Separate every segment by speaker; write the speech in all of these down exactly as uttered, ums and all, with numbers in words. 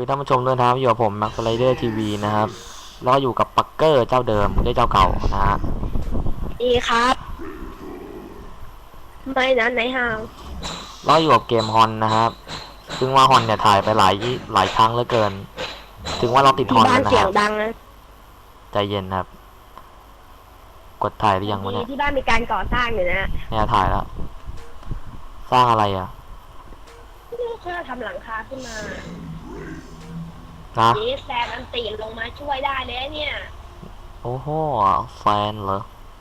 Speaker 1: ดีท่านผู้ชมด้วยนะครับอยู่กับผมแม็กซ์ไรเดอร์ทีวีนะครับแล้วอยู่กับปักเกอร์เจ้าเดิมได้เจ้าเก่านะฮะ
Speaker 2: ดีครับไม่นะไหนห่าง
Speaker 1: แล้วอยู่กับเกมฮอนนะครับซึ่งว่าฮอนเนี่ยถ่ายไปหลายหลายครั้งเหลือเกินถึงว่าเราติดฮอนแล้วนะครับใจเย็นครับกดถ่ายหรือยังวะเนี่ย
Speaker 2: ที่บ้านมีการก่อสร้างอยู่นะ
Speaker 1: เนี่ยถ่ายแล้วสร้างอะไรอ่ะ
Speaker 2: เพื่อทำหลังคาขึ้นมา
Speaker 1: นะ
Speaker 2: นี่แซมอันตีลงมาช่วยได้เลยเนี่ย
Speaker 1: โอ้โหแฟนเหรอ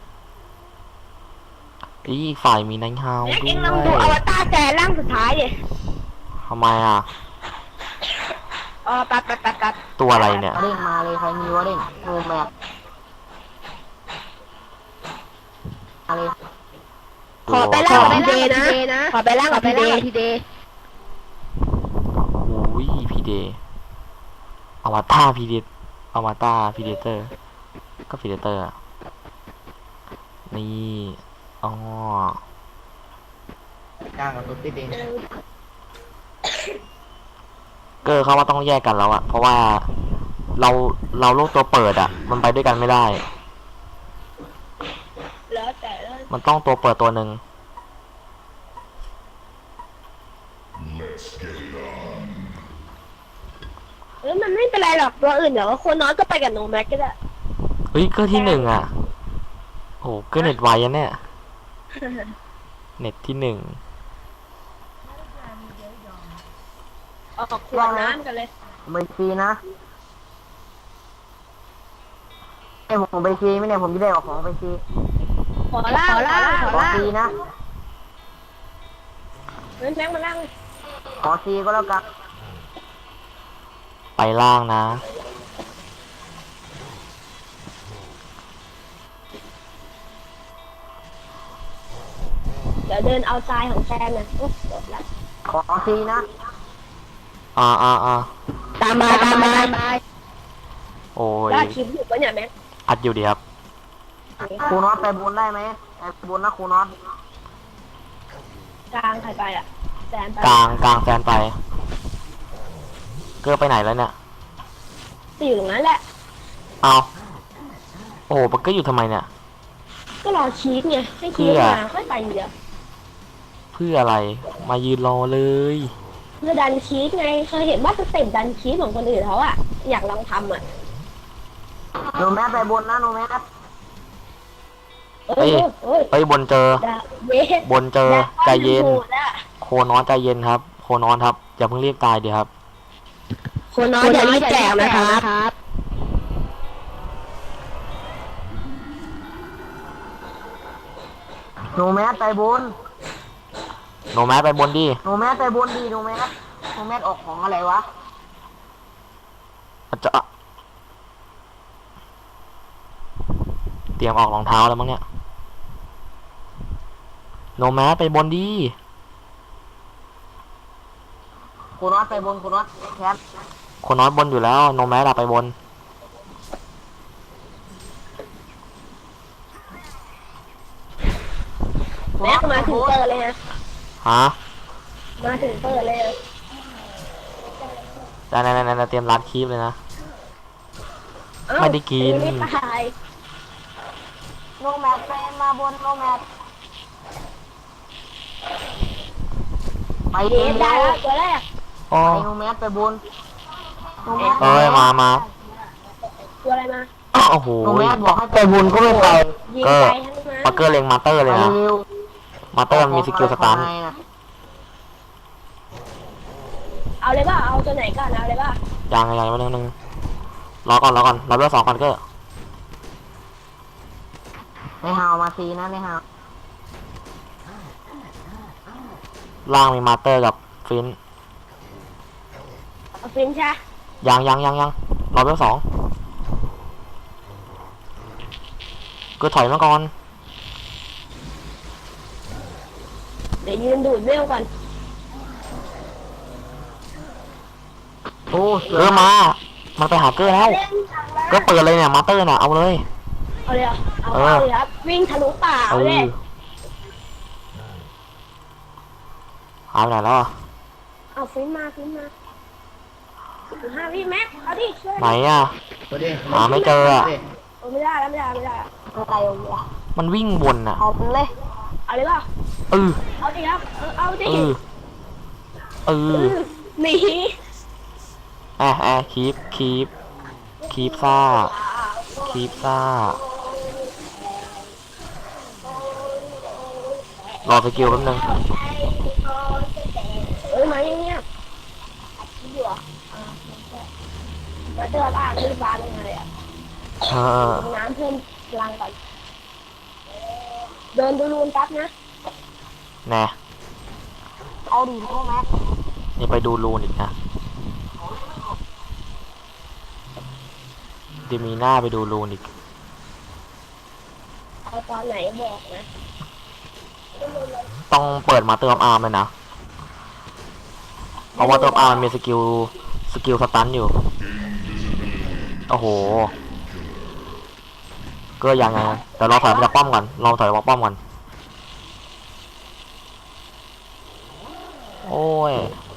Speaker 1: อีกฝ่ายมีนังฮาวด้วย
Speaker 2: เอ็งลองดูอวตารแซมร่างสุดท้ายดิ
Speaker 1: ทำไมอ่ะ
Speaker 2: อ๋อปัดปัดปัดปัด
Speaker 1: ตัวอะไรเนี่ย
Speaker 3: เร่งมาเลยใครมีวะเร่งโนแมปอะไร
Speaker 2: ขอไปล่างกับพีเดนะขอไปล่างกับพีเดพีเด
Speaker 1: โอ้ยพีเดอวตารพีเดอวตารพีเดเตอร์ก็พีเดเตอร์นี่อ๋
Speaker 3: อกลางกับตุ๊ดติดเอง
Speaker 1: เกอร์เขาว่าต้องแยกกันแล้วอะเพราะว่าเราเราโลกตัวเปิดอะมันไปด้วยกันไม่ได้
Speaker 2: แล้วแต่
Speaker 1: มันต้องตัวเปิดตัวหนึ่ง
Speaker 2: เออมันไม่เป็นไรหรอกตัวอื่นเดี๋ยวคนน้อยก็ไปกับโนแม็กก็ได้
Speaker 1: เฮ้ยเกอร์ที่หนึ่งอะโอ้เกอร์เน็ตไวอะเนี่ยเน็ตที่หนึ่ง
Speaker 2: ออกขวดน้ำกันเลย
Speaker 3: ไปฟรีนะไอ้ผมไปฟรีไม่เนี่ยผมจะได้ออกของไปฟรี
Speaker 2: ขอล่างขอล่างขอล่าง
Speaker 3: ฟรีนะ
Speaker 2: เงินแบงค์มาล่าง
Speaker 3: ขอฟรีก็แล้วกัน
Speaker 1: ไปล่างนะ
Speaker 2: เดี๋ยวเดินเอาทรายของแซมนะโอ้จบแล้ว
Speaker 3: ขอฟรีนะ
Speaker 1: อ่าอ่าอ่า
Speaker 2: ตามมาตามมา
Speaker 1: โอ้ย
Speaker 2: ได้คลิปอยู่ปะเนี่ยแม็ก
Speaker 1: อัดอยู่ดีครับ
Speaker 3: ครูน็อตไปบนได้ไหมไปบนนะครูน็อต
Speaker 2: กลางใครไปอ่ะแซมไป
Speaker 1: กลางกลางแฟนไปเกอร์ไปไหนแล้วเนี่ย
Speaker 2: จะอยู่ตรงนั้นแหละ
Speaker 1: เอาโอ้ปักเกอร์อยู่ทำไมเนี่ย
Speaker 2: ก็รอชีสไงให้ชีสมาค่อยไปเดียว
Speaker 1: เพื่ออะไรมายืนรอเลย
Speaker 2: เพื่อดันชีสไงเคยเห็นว่าสเต็ปดันชีสของคนอื่นเขาอ่ะอยากลองทำอ่ะ
Speaker 3: โนแมสไปบนนะโนแมส
Speaker 2: เอ้ย
Speaker 1: ไปบนเจอบนเจอใจเย็นโคนอนใจเย็นครับโคนอนครับอย่าเพิ่งรีบตายดีครับ
Speaker 2: โคนอนอย่ารีบแจกนะครับ
Speaker 3: โนแมสไปบน
Speaker 1: โนแมสไปบนดิ
Speaker 3: โนแมสไปบนดีโนแมสโนแมสออกของอะไรวะ
Speaker 1: จะเตรียมออกรองเท้าแล้วมั้งเนี่ยโนแมสไปบนดี
Speaker 3: โคนอสไปบนโคนอสแคป
Speaker 1: โคนอสบนอยู่แล้วโนแมสอะไปบน
Speaker 2: แม็กมาถึงเปิดเลยนะ
Speaker 1: ฮะ
Speaker 2: มาถึงเปิดเลย
Speaker 1: ได้ๆๆเตรียมรัดคลิปเลยนะไม่ได้กิน
Speaker 3: โนแมสไปมาบนโนแมสไปเอง
Speaker 2: ได้แล้วตัวแรก
Speaker 3: ไปโนแมสไปบนโนแมส
Speaker 1: เอ้ยมามา
Speaker 2: ตัวอะไรมา
Speaker 1: โอ้โห
Speaker 3: โนแมสบอกให้ไปบนก็ไม่ไป
Speaker 1: เกอร์ปักเกอร์เล็งมาเตอร์เลยนะมาเตอร์มีสกิลสตัน
Speaker 2: เอาเลยป่ะเอาตัวไหนก่อนเอาเลยป่ะ
Speaker 1: ยังยังมาหนึ่งหนึ่งรอก่อนรอก่อนรอเบอร์สองก่อนเกอร์
Speaker 3: ไม่ฮาวมาซีนะไม่ฮาว
Speaker 1: ล่างมีมาเตอร์กับฟิน
Speaker 2: เอาฟินใช่
Speaker 1: ยังยังยังยังรอเบอร์สองก็ถอยมาก่อน
Speaker 2: เดี๋ยวยืนดูดเร็วก่อน
Speaker 1: โอ้เกอร์มามันไปหาเกอร์แล้วก็เปิดเลยเนี่ยมาเตอร์น่ะเอาเลย
Speaker 2: เอาเลยเอาเลยครับวิ่งทะลุป่าเอาเลย
Speaker 1: หายไปไหนแล้ว
Speaker 2: เอาฟินมาฟินมาห้าพี่แม็กเอาดิช่วย
Speaker 1: ไหนอ่ะ หาไม่เจออะ
Speaker 2: โอ้ไม่ได้แล้วไม่ได้ไม่ได้อะไรวะ
Speaker 1: มันวิ่งวนอ่ะ
Speaker 2: เอาเลย เอาเลยป่ะ
Speaker 1: เออ
Speaker 2: เอาดิครับเออเอาดิ
Speaker 1: เออ เอ
Speaker 2: เอ
Speaker 1: อ
Speaker 2: อหนี
Speaker 1: แอะแอะคีบคีบคีบซ่าคีบซ่ารอสกิลแป๊บนึง
Speaker 2: เอ้ยมาอย่างเงี้ยอัดคลิปอยู่อ่ะอ่าแล้วเดินอ่านที่บ้านยังไงอ่ะ
Speaker 1: เออ
Speaker 2: น้ำเพิ่มพลังก่อนเดินดูรูนแป๊บนะ
Speaker 1: แน่
Speaker 2: เอาดิพ่อแม็ก
Speaker 1: นี่ไปดูรูนอีกนะเดี๋ยวมีหน้าไปดูรูนอีก
Speaker 2: เอาตอนไหนบอกนะ
Speaker 1: ต้องเปิดมาเติมอาร์มเลยนะ เพราะว่าเติมอาร์มมันมีสกิล สกิลสตันอยู่ โอ้โห ก็ยังไงนะแต่เราถอยมาจากป้อมก่อนเราถอยมาป้อมก่อน โอ้ย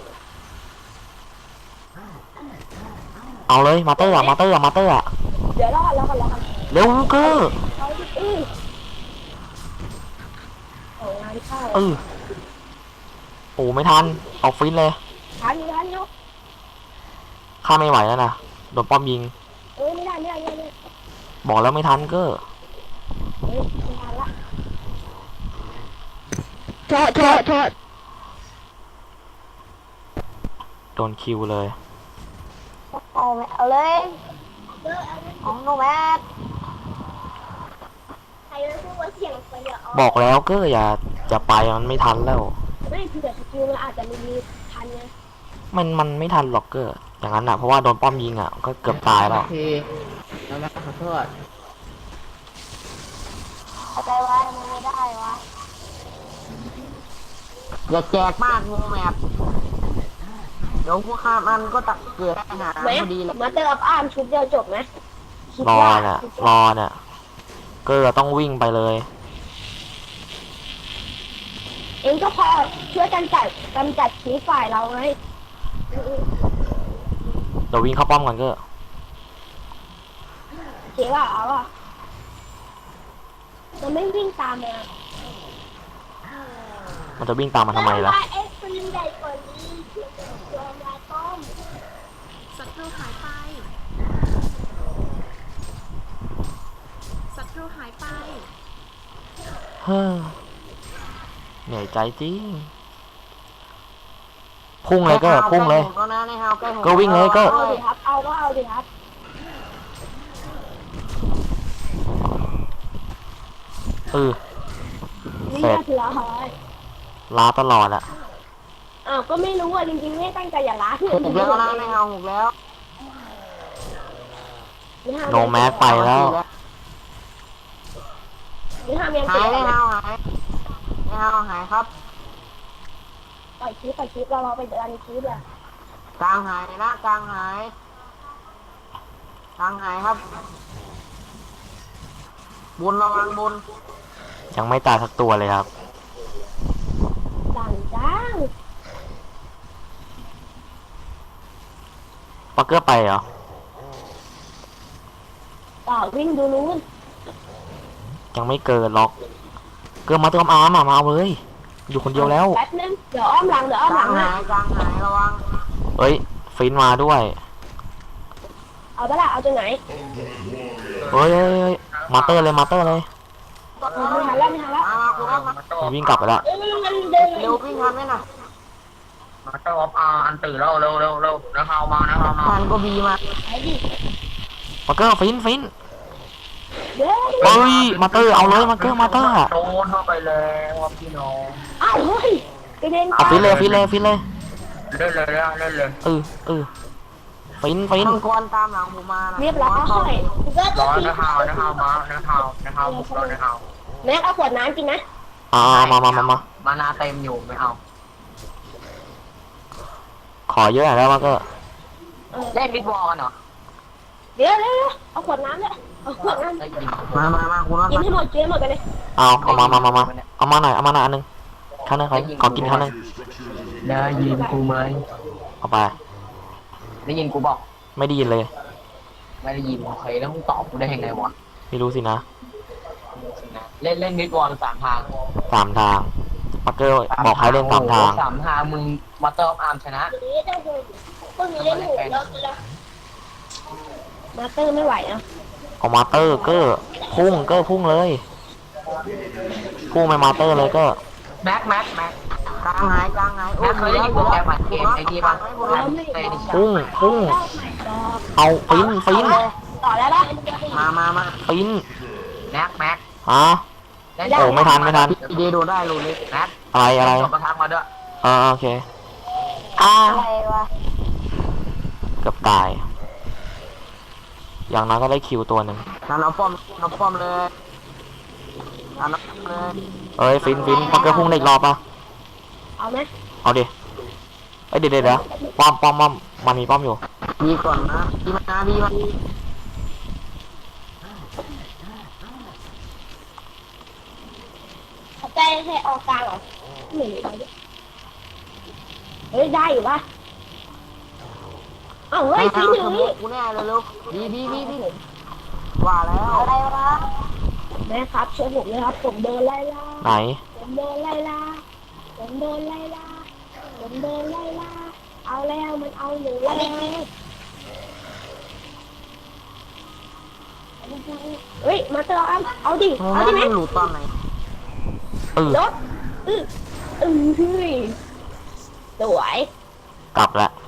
Speaker 1: เอาเลยมาเตอร์อะมาเตอร์อะมาเตอร์อะ
Speaker 2: เดี๋ยวรอก่อนรอก่อนรอก่อน
Speaker 1: เร็วเกอร์
Speaker 2: เอาดิอื้อเอางานเข้า
Speaker 1: เออโอ้ไม่ทันเอาฟินเลย
Speaker 2: ทันอยู่ทันอยู่
Speaker 1: ข้าไม่ไหวแล้วนะโดนป้อมยิง
Speaker 2: เอ้ยไม่ได้ไม่ได้ไม่ได้ไม่ได้
Speaker 1: บอกแล้วไม่ทันเกอร์
Speaker 2: เฮ้ยไม่ทันละโทษโทษโทษ
Speaker 1: โดนคิวเลย
Speaker 2: เอาไหมเอาเลยเอาโนแมทใครจะพูดว่าเสียงไปเยอะ
Speaker 1: บอกแล้วเกอร์อย่าอย่าไปมันไม่ทันแล้ว
Speaker 2: ไม่คือแต่สกิลมันอาจจะมีมีทันไง
Speaker 1: มันมันไม่ทันหรอกเกอร์อย่างนั้นอ่ะเพราะว่าโดนป้อมยิงอ่ะก็เกือบตายแล้ว
Speaker 3: ทีน้ำมันขอโทษ
Speaker 2: อะไรวะมันไม่ได้วะ
Speaker 3: อย่าแจกมากงูแมพเดี๋ยวพวกข้ามันก็ตักเกิดปัญหา
Speaker 2: แม็
Speaker 3: พอดีเลย
Speaker 2: มาเติมอ้ามชุดเดียวจบไหมคิด
Speaker 1: รอ
Speaker 2: ว่า
Speaker 1: เนี่ยรอเนี่ยเกอร์ต้องวิ่งไปเลย
Speaker 2: เองก็พอช่วยกันจัดกำจัดชีฝ่ายเราไง
Speaker 1: เดี๋ยววิ่งเข้าป้อมก่อนเกอร์
Speaker 2: เจ๊ว่าเอาอ่ะมันไม่วิ่งตามเลยอะ
Speaker 1: มันจะวิ่งตามมาทำไมล่ะ
Speaker 2: เอ็กซ์มันใหญ่กว่านี้ตัวมาต้ม
Speaker 4: ศัตรูหายไป ศัตรูหายไป
Speaker 1: เฮ้อเหนื่อยใจจริงพุ่งเลยเกอร์พุ่งเลย
Speaker 3: ก็นะในฮาวใกล้ห
Speaker 1: ก็วิ่งเลยก็
Speaker 2: เอาดิครับ เอาก็เอาดิครับ
Speaker 1: เออ
Speaker 2: นี่
Speaker 1: เสร็จ
Speaker 2: ก็ถือละหอย
Speaker 1: ลาตลอดอะ
Speaker 2: อ้าวก็ไม่รู้อ่ะจริงๆไม่ตั้งใจอย่าล้าที่
Speaker 3: หกแล้วนะในฮาวหกแล้ว
Speaker 1: โนแมสไปแล้ว
Speaker 2: นี่ห้ามยัง
Speaker 3: หายในฮาวหายในฮาวหายครับ
Speaker 2: ปล่อยคลิปปล่อยคลิปเราเราไปเดินคลิปอ่ะ
Speaker 3: กลางหายนะกลางหายกลางหายครับบุญระวังบุญ
Speaker 1: ยังไม่ตายสักตัวเลยครับ
Speaker 2: สั่งจ้าง
Speaker 1: ปักเกอร์ไปเหรอ
Speaker 2: ต่อวิ่งดูนู้น
Speaker 1: ยังไม่เกินหรอก เกินมาเติมอาร์มอะมาเอาเลย อยู่คนเดียวแล้ว
Speaker 2: แป๊บนึงเดี๋ยวอ้อมหลังเดี๋ยวอ้อม
Speaker 3: ก
Speaker 2: ห
Speaker 3: ลา
Speaker 2: ลั
Speaker 3: ง
Speaker 2: ง
Speaker 3: หา
Speaker 2: นะ
Speaker 3: ยกลางหายระวัง
Speaker 1: เอ้ยฟินมาด้วย
Speaker 2: เอาไปละเอาตัวไหน
Speaker 1: เฮ้ยเฮ้ยเฮ้ยมาเตอร์เลยมาเตอร์เลย
Speaker 2: ไม่ทันแล้วไม่ทันแล้ว
Speaker 3: มามาคุณรถมา
Speaker 1: มันวิ่งกลับไปแล้ว
Speaker 2: เอ้ยมันเดิน
Speaker 3: เร็ววิ่งทันไหมน่ะ
Speaker 5: มาเตอร์ออฟอาร์อันตื่นแล้วเร็วเร็วเร็วนะฮาวมานะฮาวมา
Speaker 3: ทันก็บีมา
Speaker 2: ไปดิ
Speaker 1: มาเกอร์ฟินฟิน
Speaker 2: เดี๋ยว
Speaker 1: เฮ้ยมาเตอร์เอาเลยมาเกอร์มาเตอร์อะ
Speaker 5: โดนเข้าไปแล้วครับพี่น้อง
Speaker 2: อ้าวเฮ้ยกระเด็น
Speaker 1: เอาฟินเลยฟินเลยฟินเลย
Speaker 5: เล่นเลยนะเล่นเลย
Speaker 1: เออเออฟินฟิน
Speaker 3: มังกรตามหลังผมมานะ
Speaker 2: เรียบร้อย
Speaker 5: รอนะฮาวนะฮาวมานะฮาวนะฮาวบุกรอนะฮาว
Speaker 2: แม็กเอาขวดน้ำกินนะ
Speaker 1: อ่ามามามามา
Speaker 5: มานาเต็มอยู่ไม่เอา
Speaker 1: ขอเยอะหน่อยได้มาเกอร์
Speaker 5: เล่นบิ๊กบอลกันเหรอ
Speaker 2: เดี๋ยวเดี๋ยวเอาขวดน้ำเลยเอาขวดน้ำ
Speaker 5: ได้ยิน
Speaker 3: มามามาคุณรถ
Speaker 2: กิน
Speaker 3: มา
Speaker 2: ให้หมดกินให้หมดกันเลย
Speaker 1: เอาเอามามามามาเอามาหน่อยเอามาหน่อยอันนึงข้างนึงขอขอกินข้างนึง
Speaker 5: ได้ยินกูไหม
Speaker 1: เอาไป
Speaker 5: ได้ยินกูบอก
Speaker 1: ไม่ได้ยินเลย
Speaker 5: ไม่ได้ยินโอเคแล้วมึงตอบกูได้ยังไงวะ
Speaker 1: ไม่รู้สินะ
Speaker 5: เล่นเล่นมิดวอลสามทาง
Speaker 1: สามทางปักเกอร์บอกให้เล่นสามทาง
Speaker 5: สามทางมึงมาเตอร์ออฟอาร์มชนะ
Speaker 2: ทีนี้ต้องคือพวกนี้เล่นหูเยอะเลยมาเตอร์ไม่ไหวนะ
Speaker 1: เอามาเตอร์เกอร์พุ่งเกอร์พุ่งเลยพุ่งไปมาเตอร์เลยเก็
Speaker 5: แม็กแม็กแม็ก
Speaker 3: กลางหายกลางหาย
Speaker 5: แม็กเคยได้ยินโปรแกรมอัดเกมไอ้ที่บ้างแม็กเตนิช
Speaker 1: พุ่งพุ่งเอาฟินฟิน
Speaker 2: ต่อแล้วนะ
Speaker 3: มามามา
Speaker 1: ฟิน
Speaker 5: แม็กแม็ก
Speaker 1: ฮะ โอ้ไม่ทันไม่ทัน
Speaker 3: พีเดโดได้รูเล็ก
Speaker 5: แม็ก
Speaker 1: อะไรอะไร
Speaker 5: จบประทับมาด้วย
Speaker 1: อ่าโอเคอ้า
Speaker 2: อะไรวะ
Speaker 1: เกือบตาย อย่างนั้นก็ได้คิวตัวหนึ่ง
Speaker 3: นั่นเอาป้อมเอาป้อมเลยนั่นเอาป้อมเลย
Speaker 1: เอ้ยฟินฟินปักเกอร์พุ่งได้อีกรอบปะ
Speaker 2: เอาไหม
Speaker 1: เอาดิเอ้ยเดี๋ยวเดี๋ยวเดี๋ยวป้อมป้อมป้อมมันมีป้อมอยู่
Speaker 3: บีก่อนนะบีมาบีมา
Speaker 2: เขาใจให้ออกกลางเหรอหนีไปดิเฮ้ยได้อยู่ปะเอ้าเฮ้ย
Speaker 3: ทา
Speaker 2: พี่
Speaker 3: ง
Speaker 2: ห
Speaker 3: ส
Speaker 2: นี
Speaker 3: มุกกูแน่เลยลูกบีบีบีบีว่าแล้ว
Speaker 2: อะไรวะแม่ครับช่วยผมเลยครับผมโดนไล่ล่า
Speaker 1: ไหน
Speaker 2: ผมโดนไล่ล่าผมโดนไล่ล่าผมโดนไล่ล่าเอาแล้วมันเอาหนูแล้วเฮ้ยมาเตอร์อัมเอาดิ
Speaker 3: โอ้
Speaker 2: เอา
Speaker 3: ย
Speaker 2: ดิไหม
Speaker 3: มันหลุดตอนไหน
Speaker 1: เออ
Speaker 2: รถอืออือเฮ้ยสวย
Speaker 1: กลับละ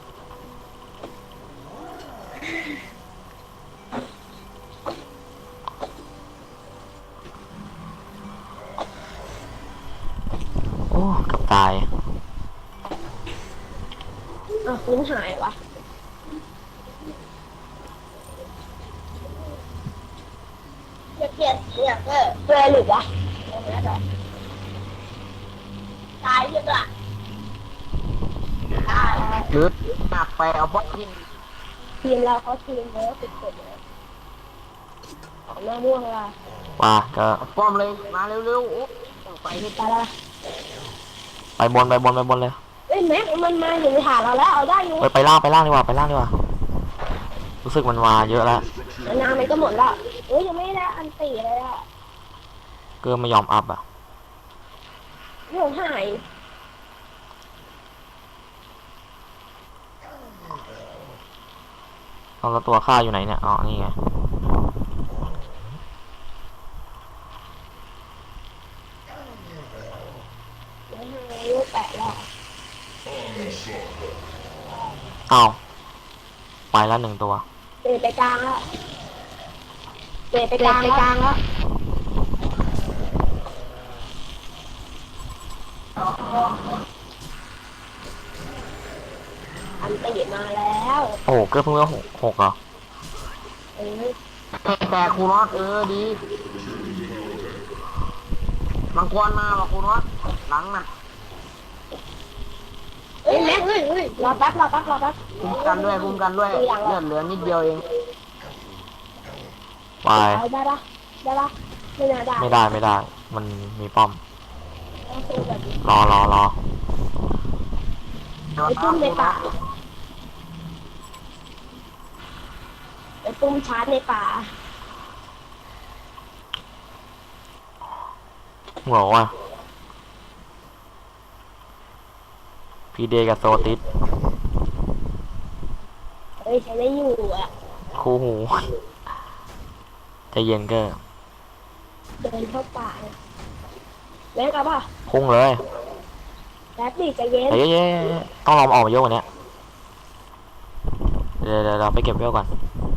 Speaker 1: โอ้เกับตาย
Speaker 2: อ่ะฟื้นหายวะจะเปลี่ยนเสียงเออเปลี่ยนหรือวะตายยังอ่ะตาย
Speaker 3: หรือหนักไปเอาป้อมที่
Speaker 2: ทีมเราเขาทีมเยอะสุดๆเลยของหน้าม่วงละ
Speaker 1: ว่าก็
Speaker 3: เอาป้อมเลยมาเร็วๆโอ้ต้องไปให้
Speaker 2: ตายละ
Speaker 1: ไปบนไปบนไปบนเลย
Speaker 2: เอ้ยแม็กมันมาอยู่ในฐานเราแล้วเอาได้อยู่
Speaker 1: ไปไปล่างไปล่างดีกว่าไปล่างดีกว่า รู้สึกมันมาเยอะแล้ว
Speaker 2: นานมันก็หมดละเอ้ยยังไม่ได้อันตีเลยอ่ะ
Speaker 1: เกินไม่ยอมอัพอ่ะ
Speaker 2: เรื่องหาย
Speaker 1: เอาแล้วตัวฆ่าอยู่ไหนเนี่ยอ๋อนี่ไง
Speaker 2: เรื่องหายลูกแปะแล้ว
Speaker 1: เอาไปแล้วหนึ่งตัว
Speaker 2: เตะไปกลางแล้วเตะไปกลางไปกลางแล้วอันตีมาแล้ว
Speaker 1: โอ้โหเกินเพิ่งว่าหกหกเหรอ
Speaker 2: เอ้ย
Speaker 3: แต่ครูน็อตเออดีมังกรมาว่ะครูน็อตหลังน่ะ
Speaker 2: เอ้ยแม็กเอ้ยเอ้ยรอแป๊บรอแป๊บรอแป๊บ
Speaker 3: คุ้มกันด้วยคุ้มกันด้วยเลือดเหลือนิดเดียวเอง
Speaker 1: ไป
Speaker 2: เอาได้ปะได้ปะไม่น่าได้
Speaker 1: ไม่ได้ไม่ได้ มันมีป้อม
Speaker 2: ต้องสู้แบบนี้
Speaker 1: รอรอรอ
Speaker 2: ไปตุ้มในป่าไปตุ้มชาร์จในป่า
Speaker 1: หัวว่ะพีเดกับโซติส
Speaker 2: เฮ้ยใช้ได้อยู่อ่ะ
Speaker 1: คู่หูใจเย็นเก็
Speaker 2: เดินเข้าป่าเลยแม็กเอาป่ะ
Speaker 1: พุ่งเลย
Speaker 2: แป๊บดิใจเย็น
Speaker 1: เฮ้ยเย้ต้องรอมนออกมาเยอะกว่านี้เดี๋ยวเดี๋ยวเราไปเก็บเวลก่อน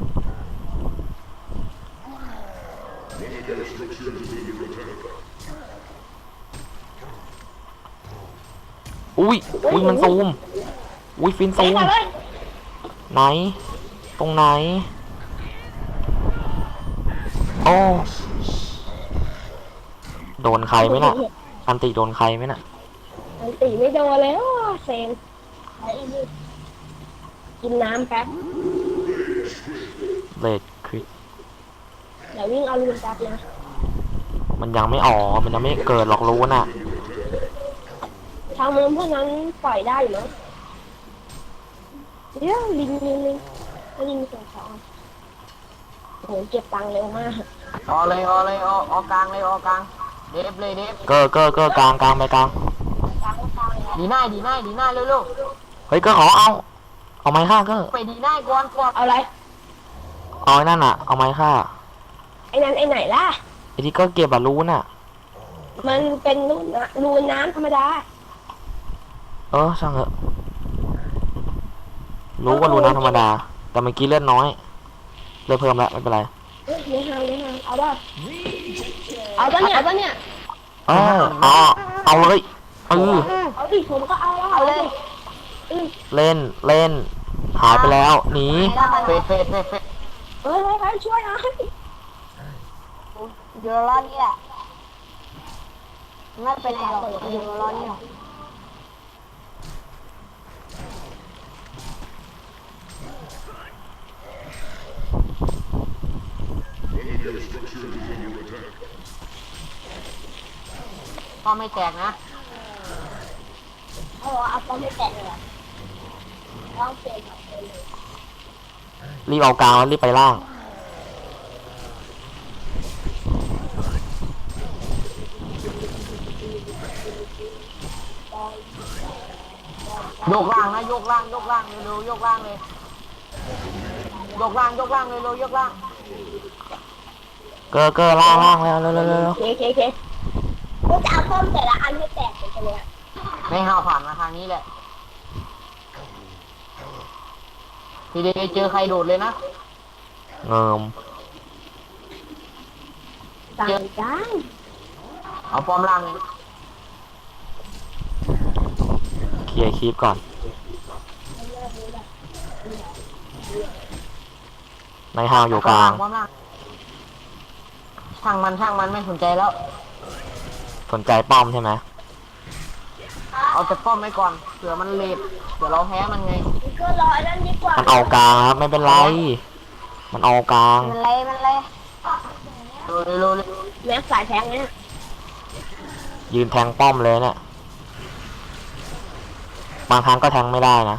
Speaker 1: อุ้ยอุ้ยมันซูมอุ้ยฟินซู
Speaker 2: แม็ก
Speaker 1: ม
Speaker 2: เอาเลย
Speaker 1: ไหน ตรงไหน โอ้ โดนใครไหมน่ะ อันติโดนใครไหมน่ะ
Speaker 2: อันตีไม่โดนเลยโอ้เซ็งกินน้ำแป๊บ
Speaker 1: เลดคริส
Speaker 2: เดี๋ยววิ่งเอาลูนแป๊บนะ
Speaker 1: มันยังไม่อ๋อ มันยังไม่เกิดหรอกรู้น่ะ
Speaker 2: ทางมือพวกนั้นปล่อยได้อยู่มั้งเดี๋ยวลิงลิงลิงลิงเสียงของโหเก็บตังค์เร็วมาก
Speaker 3: ออเลยออเลยออออกลางเลยออกลางเดฟเลยเดฟ
Speaker 1: เกอร์เกอร์เกอร์กลางกลางไปกลาง
Speaker 2: ตังค์ตังค์
Speaker 3: ดีหน้าดีหน้าดีหน้าเร็ว
Speaker 1: เฮ้ยเกอร์ขอเอาเอาไม้ฆ่าเกอร์
Speaker 3: ๆไปดีหน้าก่อนก่อน
Speaker 2: เอาอะไร
Speaker 1: เอาไอ้นั่นอ่ะเอาไม้ฆ่า
Speaker 2: ไอ้นั้นไอ้ไหนล่ะ
Speaker 1: ไอ้ที่เก็เก็บอะรู้น่ะ
Speaker 2: มันเป็นรูน้ำรูน้ำธรรมดา
Speaker 1: เออช่างเถอะรู้ว่ารู้น้ำธรรมดา แต่เมื่อกี้เลือดน้อยเลือดเพิ่มแล้วไม่เป็นไร
Speaker 2: เฮ้ยเลี้ยงหางเลี้ยงหางเอาป่ะเอาป่ะเนี่ยเอาป่ะเนี่ย
Speaker 1: เออเอาเอาเลยเออ
Speaker 2: เอาดิผมก็เอาแล้วเอาเลย
Speaker 1: เล่นเล่นหายไปแล้วหนี
Speaker 3: เฟดเฟดเฟดเฟด
Speaker 2: เฮ้ยเฮ้ยเฮ้ยช่วยหน่อย
Speaker 6: เดี๋ยวรอเนี่ยไม่เป็นไรหรอกเดี๋ยวรอเนี่ย
Speaker 3: ก็ไม่แตกนะ
Speaker 2: เอาเอาป้อมไม่แตะเลยลองเปลี่ยนแบบเลย
Speaker 1: รีบเอากลางแล้วรีบไปล่าง
Speaker 3: โยกล่างนะโยกล่างโยกล่างเร็วๆโยกล่างเลยโยกล่างโยกล่างเร็วๆโยกล่าง
Speaker 1: เกอร์เกอร์ล่างล่างแล้วเร็วเร็วเร็ว
Speaker 2: โอเคโอเคโอเคกูจะเอาป้อมแต่ละอันให้แตกไปเลย
Speaker 3: ไม่ห้าวผ่านมาทางนี้แหละทีเดียวเจอใครโดดเลยนะ
Speaker 1: เงิม
Speaker 2: ต่างกัน
Speaker 3: เอาป้อมล่างเลย
Speaker 1: เคลียร์คลิปก่อนในห้างอยู่กลาง
Speaker 3: ป้อมล่างช่างมันช่างมันไม่สนใจแล้ว
Speaker 1: สนใจป้อมใช่ไหม
Speaker 3: เอาแต่ป้อมไว้ก่อนเผื่อมันเลทเผื่อเราแพ้มันไง
Speaker 2: ก็รอนั่นดีกว่า
Speaker 1: มันเอากลางครับไม่เป็นไร มันเอากลาง
Speaker 6: มันเลยมันเลย
Speaker 3: เร็วเร็วเร็วเร็ว
Speaker 2: แม็กสายแทงเนี่ย
Speaker 1: ยืนแทงป้อมเลยเนี่ยบางครั้งก็แทงไม่ได้นะ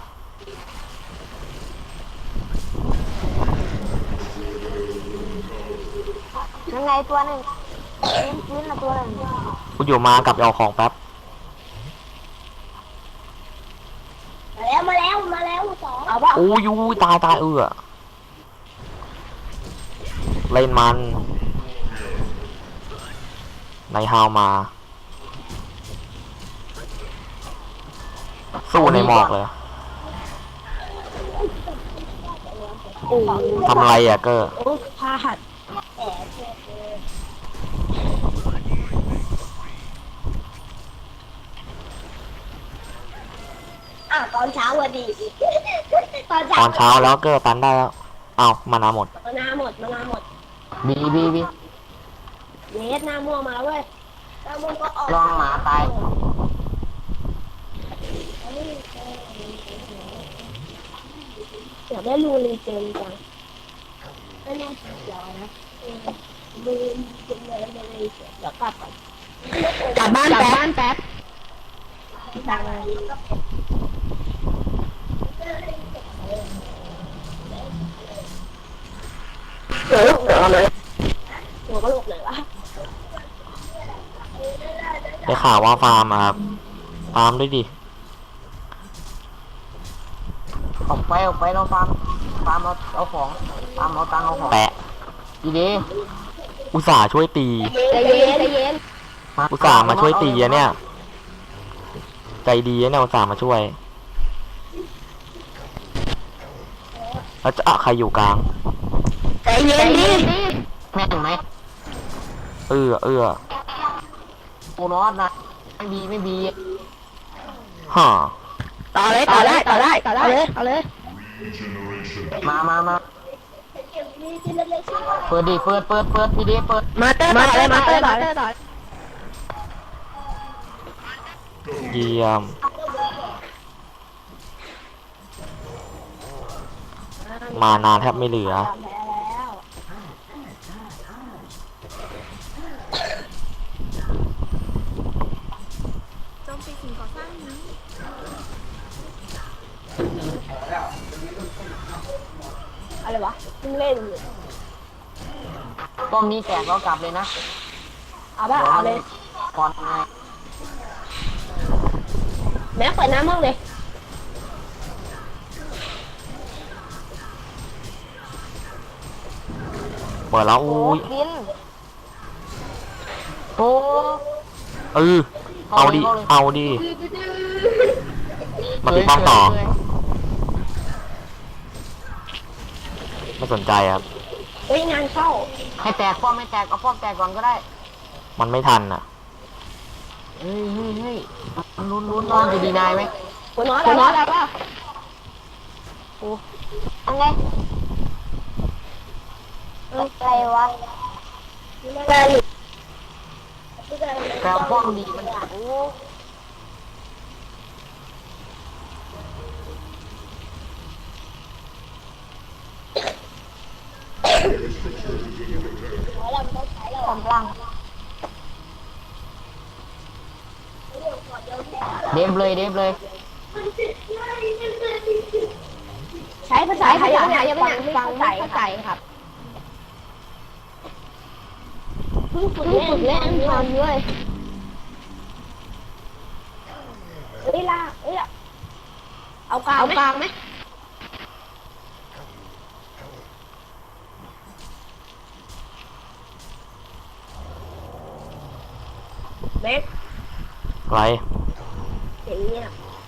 Speaker 6: ยังไงตัวหนึ่งพื้นพื้นละตัวหนึ่ง
Speaker 1: กูอยู่มากับเอาของแป๊บ
Speaker 2: มาแล้วมาแล้วมาแล้วสองเอาป่ะ
Speaker 1: อู้ยูตายตายเอือเล่นมันในฮาวมา สู้ในหมอกเลยทำไรอ่ะเกอร์
Speaker 2: โอ้พาหัดอ่ะตอนเช้าวันดี ตอนเช้า
Speaker 1: ตอนเช้าแล้วเกอร์ตันได้แล้วเอามานาหมด
Speaker 2: มานาหมดมานาหมด
Speaker 3: บีบีบี
Speaker 2: เนสหน้าม่วงมาแล้วเว้ยหน้าม่วงก็ออก
Speaker 3: ลองหมาตาย
Speaker 2: อยากได้รูรีเจนจังไม่แน่ใจเดี๋ยวนะรูรีเจนเลยไม่ได้เสียเดี๋ยวกลับก่อนกลับบ้านแป๊บบ้านแป๊บดังเออเดี๋ยวเลยหัวกระโหลกเลยวะ
Speaker 1: ได้ข่าวว่าฟาร์มอะครับ ฟาร์มด้วยดิ
Speaker 3: ออกไปออกไปเราฟาร์มฟาร์มเอาเอาของฟาร์มเอาตังค์เอาของ
Speaker 1: แปะ
Speaker 3: ดีดี
Speaker 1: อุตส่าห์ช่วยตี
Speaker 2: ใจเย็นใจเย็น
Speaker 1: อุตส่าห์มาช่วยตีอะเนี่ย ใจดีอะเนี่ยอุตส่าห์มาช่วย แล้วจะอะใครอยู่กลาง
Speaker 2: ใจเย็นดิ
Speaker 3: แม่งไหม
Speaker 1: เอื้อเอื้อ
Speaker 3: โอนอสนะไม่บีไม่บี
Speaker 1: ฮ่า
Speaker 2: ต่อเลยต่อได้ต่อได้ต่อได้เอาเลยเอาเลย
Speaker 3: มามามาเปิดดิเปิดเปิดเปิดพี่ดีเปิด
Speaker 2: มาเตอร์มาเลยมาเตอร์มาเตอร์ต่อ
Speaker 1: เยี่ยม มานานแทบไม่เหลือ
Speaker 2: แพ้แล้ว
Speaker 4: โจมตีสิ่งก่อสร้างนี้
Speaker 2: เลยวะเพิ่งเล่นอยู่
Speaker 3: ป้อมนี้แตกเรากลับเลยนะ
Speaker 2: เอาป่ะเอาเลย
Speaker 3: ก่อนไง
Speaker 2: แม็กเปิดน้ำมั่งเลย
Speaker 1: เปิดแล้ว
Speaker 6: โอ้
Speaker 1: อุ้ย
Speaker 6: ฟิน
Speaker 3: โอ้
Speaker 1: เออเอาดิเอาดิมาตีป้อมต่อ
Speaker 3: เฉย
Speaker 1: ไม่สนใจครับ
Speaker 2: เฮ้ยงานเข้า
Speaker 3: ๆให้แตกป้อมไม่แตกเอาป้อมแตกก่อนก็ได้
Speaker 1: มันไม่ทันอ่ะ
Speaker 3: เฮ้ยเฮ้ยเฮ้ยลุ้นลุ้นนอนจะดีนายไหม
Speaker 2: หัวน้อยหัวน้อยแล้วป่ะ
Speaker 6: อันไงอะไรวะ
Speaker 2: แต่หลุด
Speaker 3: แต่ป้อมดีมันโอ้
Speaker 6: กำลัง
Speaker 3: เดฟเลยเดฟเลย
Speaker 2: ใช้ภาษาไทยยังไงยังไงฟังไม่เข้าใจครับเพิ่งฝึกเล่นเล่นทอนด้วยเฮ้ยล่าเอ้ยเอากลางเอากลางไหมเล็ก
Speaker 1: ไร
Speaker 2: เห็นเนี่ย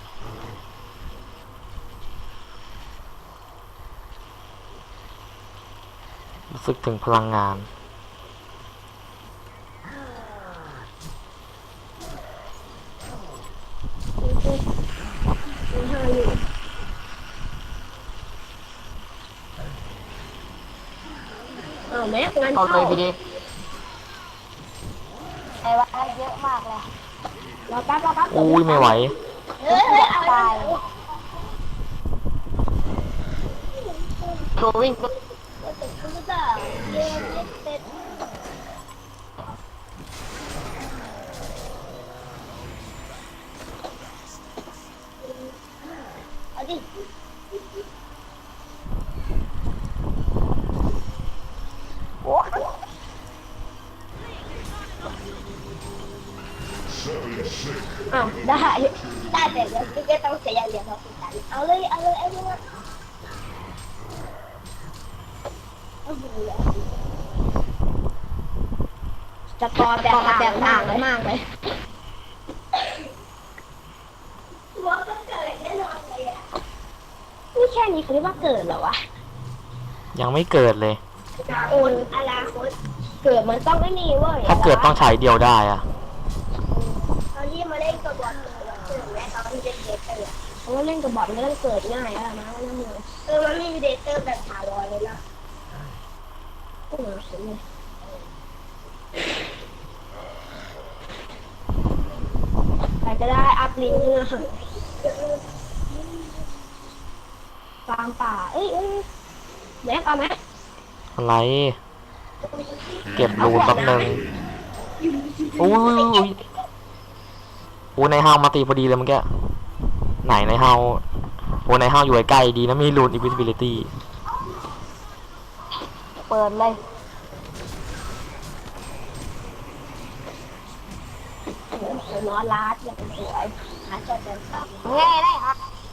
Speaker 1: รู้สึกถึงพลังงาน
Speaker 2: อ้าวแม็กงาน
Speaker 3: เข้า
Speaker 2: เข้า
Speaker 3: เลยพี่ดี
Speaker 6: ไอ้วะเยอะมากเลย
Speaker 2: รอแป๊บรอแป๊บ
Speaker 1: อุ้ยไม่ไหว
Speaker 2: เฮ้ยเฮ้ยเอา
Speaker 6: ตาย
Speaker 3: โชว์วิ่ง
Speaker 2: เอาดิอ้าวได้ได้แต่เดี๋ยวพี่ก็ต้องเสียเหรียญเราคุยกันเอาเลยเอาเลยเอาเลยจะกอแตกแตกต่างกันมากเลยนี่แค่นี้เขาเรียกว่าเกิดเหรอวะ
Speaker 1: ยังไม่เกิดเลย
Speaker 2: โอนอนาคตเกิดมันต้องไม่มีเว้ย
Speaker 1: ถ้าเกิดต้องใช้เดียวได้อะ
Speaker 2: ตอนที่มาเล่นกับบอลเกิดแม้ตอนที่เป็นเดทเตอร์เพราะว่าเล่นกับบอลมันก็ต้องเกิดง่ายอะนะว่านั่นเลยเออมันไม่มีเดทเตอร์แบบถาวรเลยนะโอ้โหสุดเลยใครก็ได้อัพลิงก์เนี่ยฟาร์มป่าเอ้ยเอ้ยแม็กเอาไหม
Speaker 1: อะไร เก็บรูนแป๊บนึงอุ้ยอุ้ยอุ้ยอู้ในห้าวมาตีพอดีเลยเมื่อกี้ไหนในห้าวโอ้ในห้าวอยู่ใกล้ๆดีนะมีรูน invisibility
Speaker 6: เปิดเลย
Speaker 2: นอนลาดอย่างสวยหาจอดเดินตาม
Speaker 6: ง่ายได้ครับ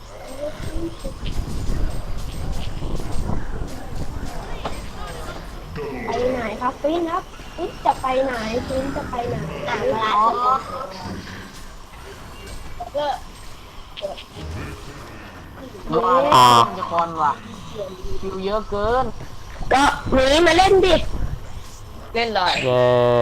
Speaker 2: ไปไหนครับฟินครับฟินจะไปไหนฟินจะไปไหนอ่ะเวลา
Speaker 6: อ๋อ
Speaker 2: ก็
Speaker 3: ว่าแล้วจะคอนว่ะคิวเยอะเกิน
Speaker 2: ก็หนีมาเล่นดิ เล่นเลย
Speaker 1: เย้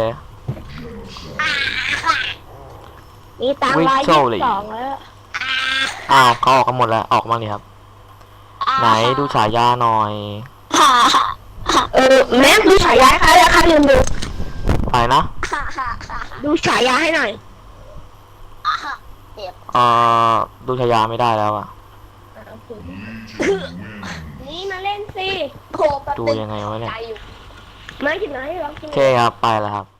Speaker 2: มีตังค์ร้อยยี่สิบสองแล้ว
Speaker 1: อ้าวเขาออกกันหมดแล้วออกมาเลยครับ ไหนดูฉายาหน่อย
Speaker 2: เออแม่ดูฉายาค่ะแล้วค่ะลืมดู
Speaker 1: ไปนะ
Speaker 2: ดูฉายาให้หน่อย
Speaker 1: เอ่อดูฉายาไม่ได้แล้วอะ
Speaker 2: นี่มาเล่นสิโค
Speaker 1: ดูยังไงวะเนี่ย
Speaker 2: ไม่ถึงไหนหรอก
Speaker 1: โอเคครับไปแล้วครับ